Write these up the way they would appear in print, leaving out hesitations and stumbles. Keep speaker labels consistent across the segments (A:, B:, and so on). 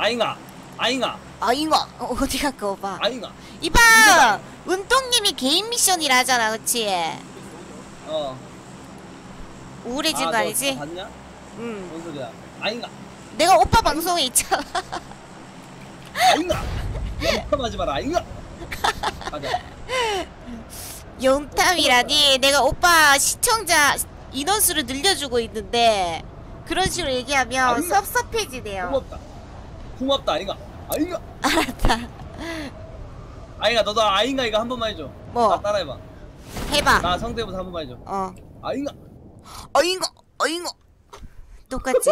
A: 아잉아 아잉아
B: 아잉아 어디 갈까 오빠?
A: 아잉아
B: 이봐 은동님이 개인 미션이라 하잖아 그치? 우울해진 거 아니지?
A: 너 봤냐?
B: 응.
A: 뭔 소리야? 아잉아
B: 내가 오빠 방송에 있잖아.
A: 아잉아 영탐하지 마라 아잉아 가자.
B: 용탐이라니 내가 오빠 시청자 인원수를 늘려주고 있는데 그런 식으로 얘기하면
A: 아잉아.
B: 섭섭해지네요.
A: 고맙다 아잉아 아잉아
B: 알았다.
A: 아잉아 너도 아잉아 이거 한 번만 해줘.
B: 뭐?
A: 나 따라해봐.
B: 해봐.
A: 나 성대모사 한 번만 해줘. 아잉아
B: 어잉어 똑같지?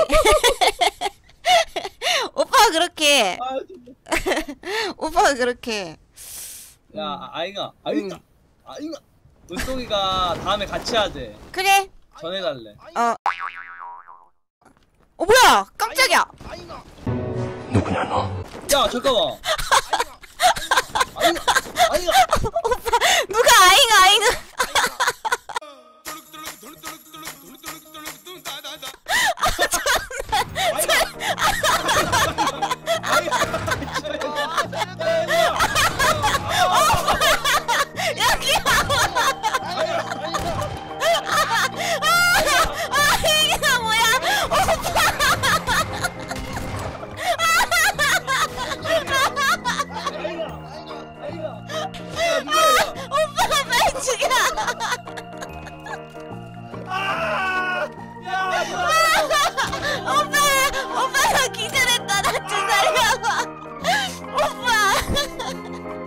B: 오빠가 그렇게 오빠가 그렇게
A: 야 아잉아 아잉아 아잉아 은동이가 다음에 같이 하재.
B: 그래
A: 전해달래.
B: 뭐야 깜짝이야.
C: 누구냐 너?
A: 야 잠깐만. 아잉아 아잉아
B: 오빠 누가 아잉아 아잉아 뭐야 오빠가 빨리 죽여. 오빠가 기절했다. 나 좀 살려봐. 오빠.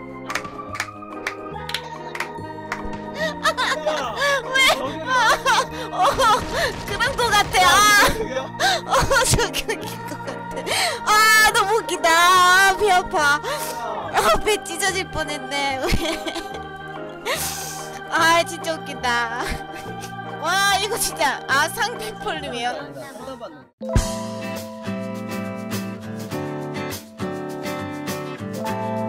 B: 그런 거 같아. 저기 웃긴 거 같아. 너무 웃기다. 배 아파. 배 찢어질 뻔했네. 진짜 웃긴다. 와 이거 진짜 상대폴림이에요.
A: 쳐다봤는데.